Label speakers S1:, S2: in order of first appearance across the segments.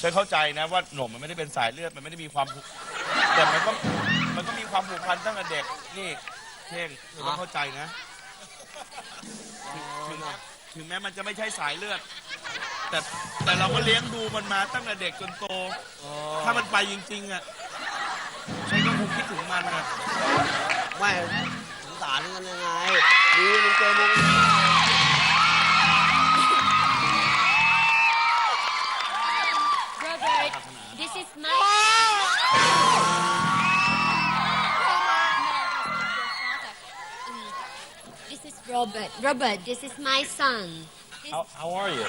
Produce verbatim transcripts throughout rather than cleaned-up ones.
S1: ฉันเข้าใจนะว่าหนุ่มมันไม่ได้เป็นสายเลือดมันไม่ได้มีความผูกแต่มันก็มันก็มีความผูกพันตั้งแต่เด็กนี่เท่งเธอต้องเข้าใจนะถึงถึงแม้มันจะไม่ใช่สายเลือดแต่แต่เราก็เลี้ยงดูมันมาตั้งแต่เด็กจนโตถ้ามันไปจริงๆอ่ะฉันก็คงคิดถึงมันนะ
S2: ไม่สงสารกันยังไงดีมันเจอมึง
S3: Robert, this is my. This is Robert. Robert, this is my son. This...
S4: How, how are you?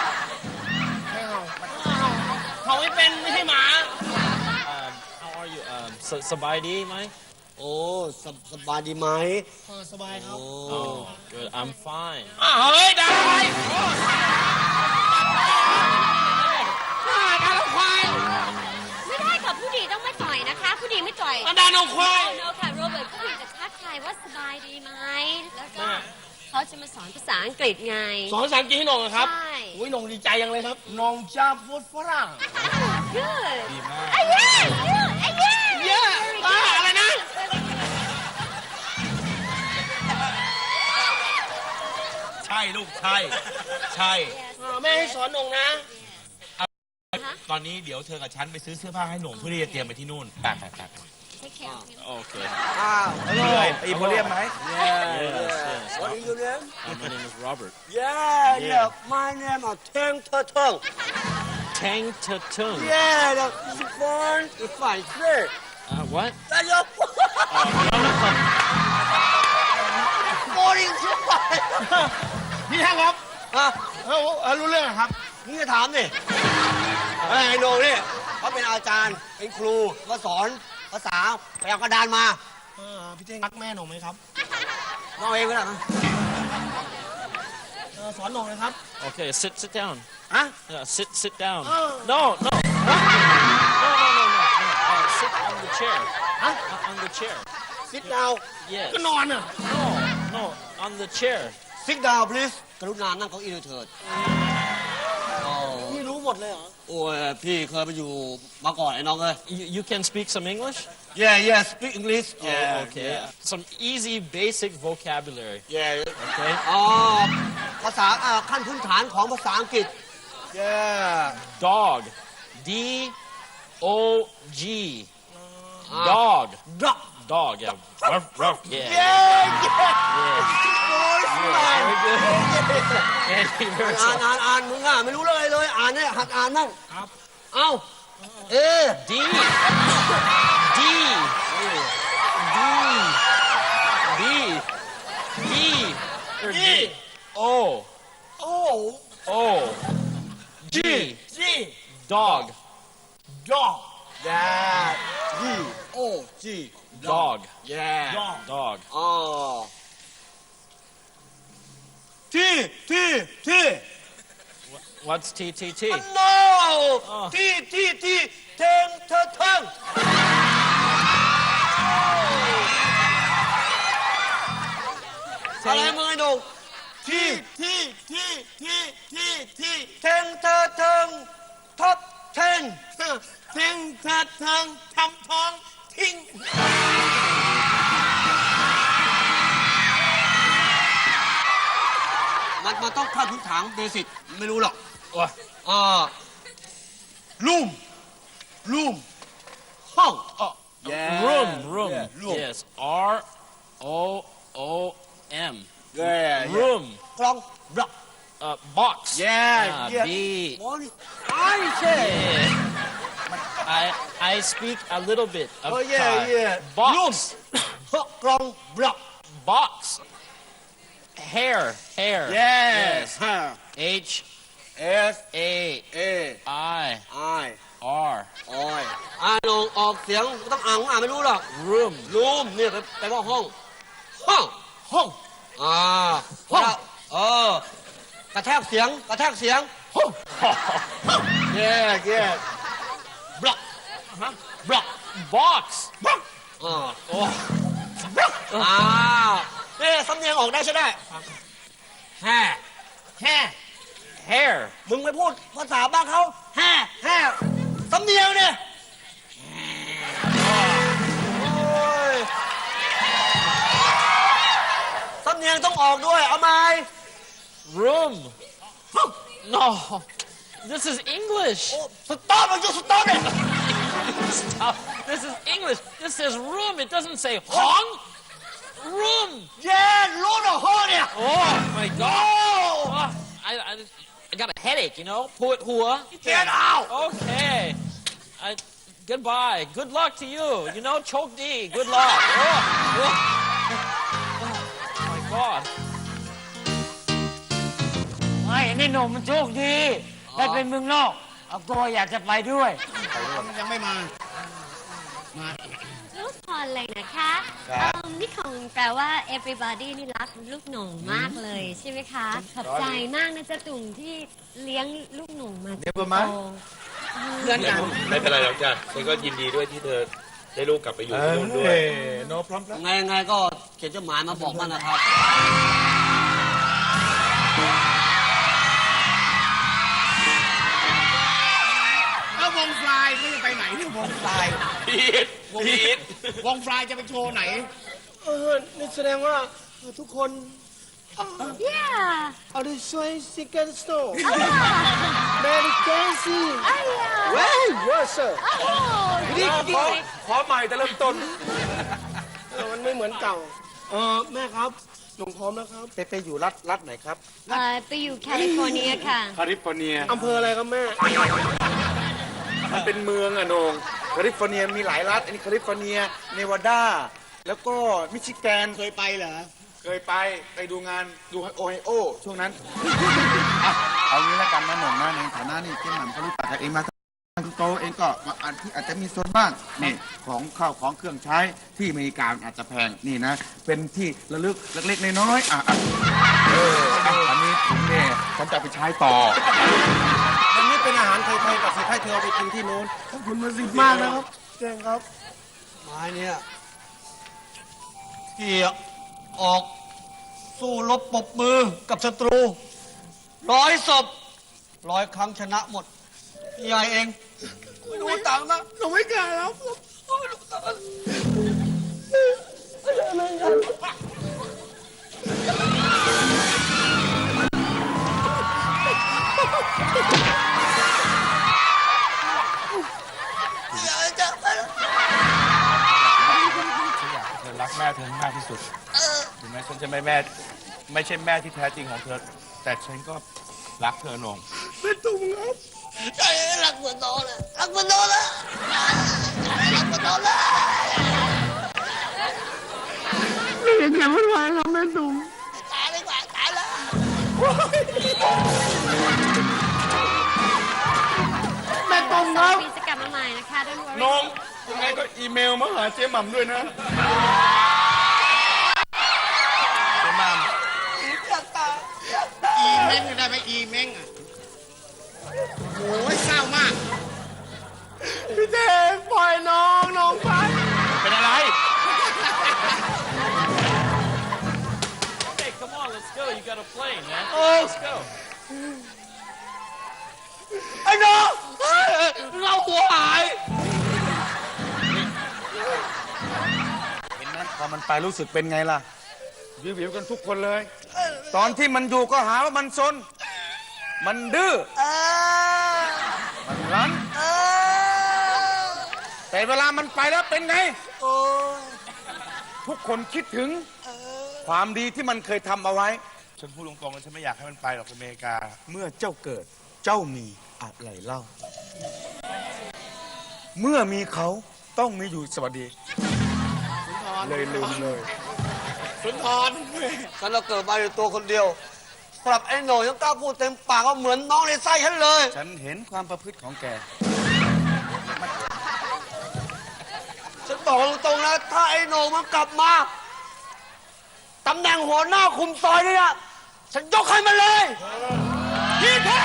S2: เขาไม่เป็นไม่ใช่หมา
S4: Um, how are you? Um, สสบายดีไหม
S2: โอ้สบสบายดีไหม
S5: สบายครับ
S2: โอ้
S4: Oh, good. I'm fine.
S2: อ้าวเฮ้ยได้ดานควาย
S3: ไม่ได้ค่ะผู้ดีต้องไม่ต่อยนะคะผู้ดีไม่ต่อย
S2: ดานควาย
S3: โนค่ะโรเบิร์ตผู้ดีจะทักทายว่าสบายดีไหมแล้วก็เขาจะมาสอนภาษาอังกฤษไง
S2: สอนภาษาอังกฤษให้หนงเหรอครับ
S3: ใช่
S2: อุ้ยหนงดีใจยังเลยครับหนงชอบพูดฝรั่ง
S3: good
S1: ดีมาก
S3: อ่ะ yeah good อ่ะ yeah
S2: เยอะบ้าอะไรนะ
S1: ใช่ลูกใช่ใช่
S2: แม่ให้สอนหนงนะ
S1: ตอนนี้เดี๋ยวเธอกับฉันไปซื้อเสื้อผ้าให้หนุ่มเพื่อที่จะเตรียมไปที่นู่นไปไปไป
S3: take care of him
S4: Okay.
S2: อ้าว
S1: ชื่ออะไรไอ้โพเลียมไหม
S4: Yes, yes.
S2: What is your name?
S4: Uh, my name is Robert.
S2: Yeah, yeah. My name is Tang Tutong.
S4: Tang Ta Tung.
S2: Yeah, the born in five years.
S4: Uh, what?
S2: That's your born in five.
S5: พี่แท่งครับ
S2: ฮะ
S5: เออเออรู้เรื่องครับ
S2: นี่จะถามดิไอ้โหนงเนี่ยเขาเป็นอาจารย์ เป็นครูมาสอนภาษาไปเอากระดานมา
S5: เออพี่เท่งรักแม่หนูไหมครับ
S2: น้องเองก็ได้นะ
S5: เออสอนหนูเลยครับ
S4: Okay, sit sit down.
S2: ฮะ
S4: Yeah, sit sit down.
S5: Oh.
S4: No, no. No, no, no, no, no. Uh, sit on the chair.
S2: Huh?
S4: Uh, on the chair.
S2: sit down
S4: Yes.
S5: ก็นอนอ่ะ
S4: No, no, on the chair.
S2: sit down please กรุณานั่งเก้าอี้ด้วยเถิดอ๋อ
S5: พี่รู้หมดเลยเหรอ
S2: โอ้ยพี่เคยไปอยู่มาก่อนไอ้น้องเอ้ย
S4: You, you can speak some English?
S2: yeah yeah speak English yeah
S4: Oh, okay. Some easy, basic vocabulary.
S2: yeah
S4: Okay.
S2: อ๋อภาษาอ่าขั้นพื้นฐานของภาษาอังกฤษ yeah
S4: Dog. D O G. Dog.
S2: dog
S4: Dog. Yeah. Ruff, ruff. Yeah.
S2: yeah yeah
S4: Yeah.
S2: โอ้ย
S4: Yeah, very good. And he very
S2: อ่านอ่านอ่านมึงอ่ะไม่รู้เลยเลยอ่านเนี่ยหัดอ่านนั่ง
S5: ครับ
S2: เอ้าเอ
S4: D. D. D. D. D. Or D. O.
S2: โอ้
S4: O. G.
S2: G
S4: Dog.
S2: dog yeah D O G
S4: Dog.
S2: yeah
S4: Dog.
S2: อ๋อที่ที่ที่
S4: What's T T T?
S2: no
S4: อ๋อ
S2: ที่ที่ที่เทงเธอเทิงอะไรมึงไอ้หนุ่มที่ที่ที่ที่ที่ที่เทงเธอเทิงท็อปเทน
S5: เท่งเถิดเทิงทำท้องทิ้ง
S2: มันมันต้องขั้นพื้นฐานเบสิกไม่รู้หรอก
S4: What?
S2: อ่ารูมรูมห้อง Yeah.
S4: Room. Room.
S2: Yeah, room.
S4: Yes. R O O M.
S2: yeah
S4: Room.
S2: กล่องบล็อก
S4: Uh, box.
S2: Yeah,
S4: Ah,
S2: yeah.
S4: B.
S2: โอ้ยไอ้เช่
S4: Yeah. I I speak a little bit of
S2: Oh, yeah,
S4: Thai.
S2: yeah.
S4: Box.
S2: กล่องบล็อก
S4: Box. Hair. Hair.
S2: yes
S4: H
S2: S
S4: A
S2: A
S4: I
S2: I
S4: R.
S2: โอ้ยอ่านออกออกเสียงไม่ต้องอ่านอ่านไม่รู้หรอก
S4: Room.
S2: รูมเนี่ยแปลว่าห้อง ห้อง
S5: ห้อง
S2: อ่า
S5: ห้อง
S2: เออกระแทกเสียงกระแทกเสียง
S5: ห้อง
S2: เย่เย่บล็อกฮะบล็อก
S4: Box.
S5: บ้อง
S2: อ่า
S4: Oh.
S2: อ่าเนี่ยสำเนียงออกได้ใช่ได้แฮ่
S5: แห่
S4: hair.
S2: มึงไปพูดภาษาบ้านเขาแห่แห่สำเนียงเนี่ยโอ้ยสำเนียงต้องออกด้วย เอาไหม
S4: Room. No, this is English.
S2: สต๊อปมันอยู่สต๊อปเนี่ย
S4: Stop. This is English. This says room. It doesn't say hong. Room.
S2: เย็นรู้หรอฮอเนี่ย
S4: Oh my God. Oh, I, I, I got a headache, you know. Put hua.
S2: Get out.
S4: Okay. I, goodbye. Good luck to you. You know, choke D. Good luck. Oh, oh. Oh my God.
S6: ไม่นี่หนุ่มมันโชคดี ได้เป็นเมืองนอก เอาตัวอยากจะไปด้วย
S2: ยังไม่มา
S3: ลูกพรเลยนะคะเอิ่มนี่ของแปลว่า everybody นี่รักลูกหนุ่มมากเลยใช่ไหมคะ ขอบใจมากนะจ๊ะตุ่มที่เลี้ยงลูกหนุ่มมาจนโต
S2: เพื่อนกัน
S1: ไม่เป็นไรหรอกจ้ะฉันก็ยินดีด้วยที่เธอได้ลูกกลับไปอยู่ที่นู่นด้วย
S5: โนพร้อมแล้ว
S2: ไงไงก็เขียนจดหมายมาบอกมันนะครับ
S5: แล้ววงฟลายเขาจะไปไหนเนี่ยวงฟลาย
S1: พีทพีท
S5: วงฟลายจะไปโชว์ไหน
S2: เออ นี่แสดงว่าทุกคน
S3: yeah
S2: เอาได้ช่วยซิกเกิลสโตร์
S3: อ่า
S2: เมริกาซี
S3: อ่า
S2: เว้ยเวอร์เซอร์
S3: โอ้ดีดี
S5: ขอใหม่แต่เริ่มต้น
S2: มันไม่เหมือนเก่า เออ แม่ครับ หนูพร้อมแล้วครับ
S5: ไปไปอยู่รัฐรัฐไหนครับ
S3: เอ่อไปอยู่แคลิฟอร์เนียค่ะ
S5: แคลิฟอร์เนีย
S2: อำเภออะไรครับแม่
S5: มันเป็นเมืองอะโหนงแคลิฟอร์เนียมีหลายรัฐ อันนี้แคลิฟอร์เนีย เนวาดา แล้วก็มิชิแกน
S2: เคยไปเหรอ
S5: เคยไป ไปดูงานดูโอไฮโอช่วงนั้น อ่ะเอางี้แล้วกันนะหนุ่มนะในฐานะนี่เจ๊หม่ำเขารู้จักกันเองมาตั้งโตเองก็อาจที่อาจจะมีส่วนบ้าง นี่ของข้าวของเครื่องใช้ที่อเมริกาอาจจะแพง นี่นะ เป็นที่ระลึกเล็กๆน้อยๆอ่ะอ่ะเอออ่ะอันนี้ผมเนี่ยฉันจะเอาไปใช้ต่อ
S2: อันนี้เป็นอาหารไทยๆกับสิให้เธอเอาไปกินที่นู้นขอบคุณมาสิมากนะครับเก่งครับ ไม้เนี่ยที่ออกสู้รบปรบมือกับศัตรู ร้อยศพร้อยครั้งชนะหมดยายเอง ไม่รู้ตังค์นะหนูไม่กล้าแล้ว
S1: เธอรักแม่เธอมากที่สุดถึงแม้ฉันจะไม่แม่ ไม่ใช่แม่ที่แท้จริงของเธอ แต่ฉันก็รักเธอโหนง
S2: ใจรักเหมือนโตเลยรักเหมือนโตเลยรักเหมือนโตเลยไม่เห็นแก่วุ่นวายครับแม่ตุ้มตายดีกว่าตายแล้วแม่ตุ้มครับ
S3: ปีจะกลับมาใหม่นะคะด้วย
S1: น้องยังไงก็อีเมลมาหาเจ๊หม่ำด้วยนะเจ๊หม่ำ
S5: อีเม้งได้ไหมอีเม้งอ่ะโอ้ยเศร้ามาก
S2: พี่เจปล่อยน้องน้องไป
S1: เป็นอะไร
S4: Okay, come on, let's go. You got a plane, man.
S2: Oh.
S4: Let's go.
S2: ไอ้น้องเราหัวหาย
S5: เห็นไหมพอมันไปรู้สึกเป็นไงล่ะ วิววิวกันทุกคนเลย ตอนที่มันอยู่ก็หาว่ามันซน มันดื้อ มันรั้น แต่เวลามันไปแล้วเป็นไง ทุกคนคิดถึงความดีที่มันเคยทำเอาไว้
S1: ฉันพูดตรงๆเลยฉันไม่อยากให้มันไปหรอกอเมริกา
S5: เมื่อเจ้าเกิดเจ้ามีอะไรเล่า เมื่อมีเขาต้องมีอยู่สวัสดี เลยลืมเลย
S2: สุนทรฉันเราเกิดมาอยู่ตัวคนเดียวสำหรับไอ้โหน่ยยังกล้าพูดเต็มปากว่าเหมือนน้องในไส้ฉันเลย
S5: ฉันเห็นความประพฤติของแก
S2: ฉันบอกตรงๆนะ ถ้าไอ้โหน่งมันกลับมาตำแหน่งหัวหน้าคุมซอยนี่นะฉันยกให้มันเลยพี่แท้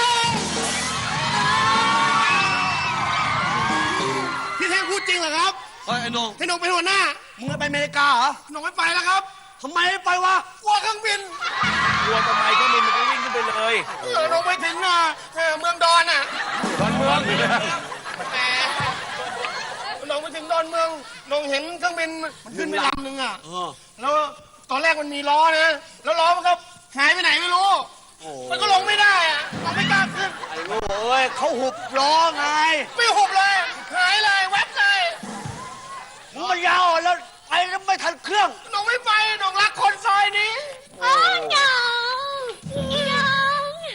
S5: พี่แท่งพูดจริงเหรอครับ
S2: เฮ้ยไอ้โหน่ง
S5: ให้น้องเป็นหัวหน้า
S2: มึงจะไปอเมริกาเหรอ
S5: น้องไม่ไปแล้วครับ
S2: ทำไมไม่ไปวะ
S5: กลัวเครื่องบิน
S2: ไ
S1: กลัวทำไมเครื่องบินมันก็วิ่งขึ้นไปเลย
S2: เออลงไปถึงอ่ะเออเมืองดอนอ่ะ
S1: ดอนเมือง
S2: แต่ลงไปถึงดอนเมืองลงเห็นเครื่องบินมันขึ้นไปลำหนึ่งอ่ะแล้วตอนแรกมันมีล้อนะแล้วล้อมันก็หายไปไหนไม่รู้มันก็ลงไม่ได้อ่ะลงไม่กล้าขึ้น
S7: ไอ้โง่เอ้ยเขาหุบล้อไง
S2: ไม่หุบเลยหายเลยแวบเลย
S7: มึงมันยาวอ่ะแล้วไปแล้วไม่ทันเครื่อง
S2: หนงไม่ไปหนงรักคนซอยนี้
S3: อ๋อน้องน้อง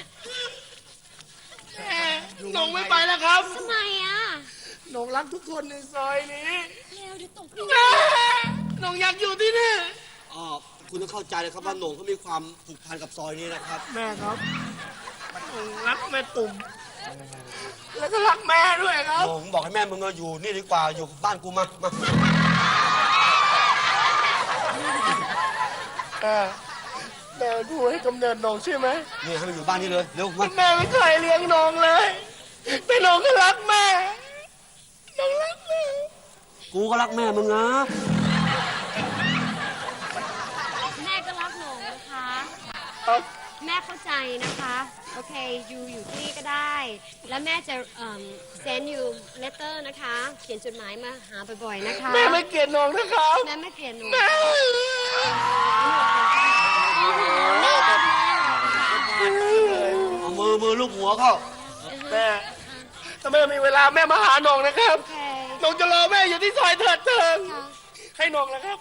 S2: แม่หนงไม่ไปแล้วครับ
S3: ทำไมอ่ะ
S2: หนงรักทุกคนในซอยนี้
S3: เร็วเดี๋ยวตก
S2: แม่หนงอยากอยู่ที่นี่
S7: อ๋อคุณต้องเข้าใจนะครับว่าโหน่งเขามีความผูกพันกับซอยนี้นะครับ
S2: แม่ครับหนงรักแม่ตุ่มแล้วก็รักแม่ด้วยครับ
S7: โหน่งบอกให้แม่มึงมาอยู่นี่ดีกว่าอยู่บ้านกูมามา
S2: แม่แม่ดูให้กำเนิดหนงใช่ไหม
S7: นี่ให้มันอยู่บ้านนี่เลยเร็วมา
S2: แม่ไม่เคยเลี้ยงหนงเลยแต่หนงก็รักแม่หนงรักแม่
S7: กูก็รักแม่มึงนะ
S3: แม่ก็รักหนูนะคะ
S2: ครับ
S3: แม่เข้าใจนะคะ โอเคยูอยู่ที่นี่ก็ได้ แล้วแม่จะเอ่อ send you letter นะคะ เขียนจดหมายมาหาบ่อยๆนะคะ
S2: แม่ไม่เกลียดหนงนะครับ
S3: แม่ไม่เกลียดหนู
S2: แม่
S7: เอามือมือลูกหัวเข้า
S2: แม่ถ้าแม่มีเวลาแม่มาหาหนงนะครับ
S3: โอเค
S2: หนงจะรอแม่อยู่ที่ซอยเถิดเทิง
S3: ค่ะ
S2: ให้หนงนะครับ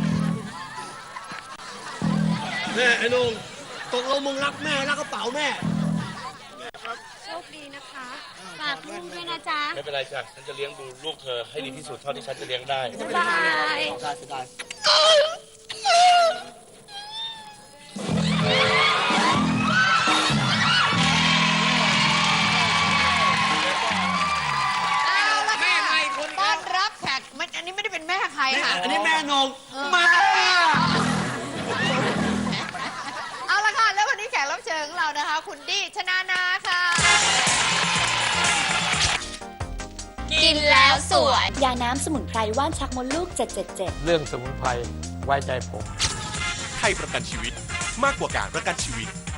S7: แม่ไอ้โหน่งตกลงมึงรักแม่รักกระเป๋าแม่
S3: โชคดีนะคะฝากลูกด้วยนะจ๊ะ
S1: ไม่เป็นไรจ้ะฉันจะเลี้ยงดูลูกเธอให้ดีที่สุดเท่าที่ฉันจะเลี้ยงได้
S3: บ๊ายบาย
S7: ได้ได้
S8: เอาละค่ะต้อนรับแขกมันอันนี้ไม่ได้เป็นแม่ใครค่ะ
S7: อันนี้แม่โหน่งมา
S8: เอาละค่ะ แล้ววันนี้แขกรับเชิญของเรานะคะ คุณดี้ชนานาค่ะ
S3: กินแล้วสวย
S9: ยาน้ำสมุนไพรว่านชักมดลูก เจ็ดเจ็ดเจ็ด
S4: เรื่องสมุนไพรไว้ใจผม
S10: ไทยประกันชีวิตมากกว่าการประกันชีวิต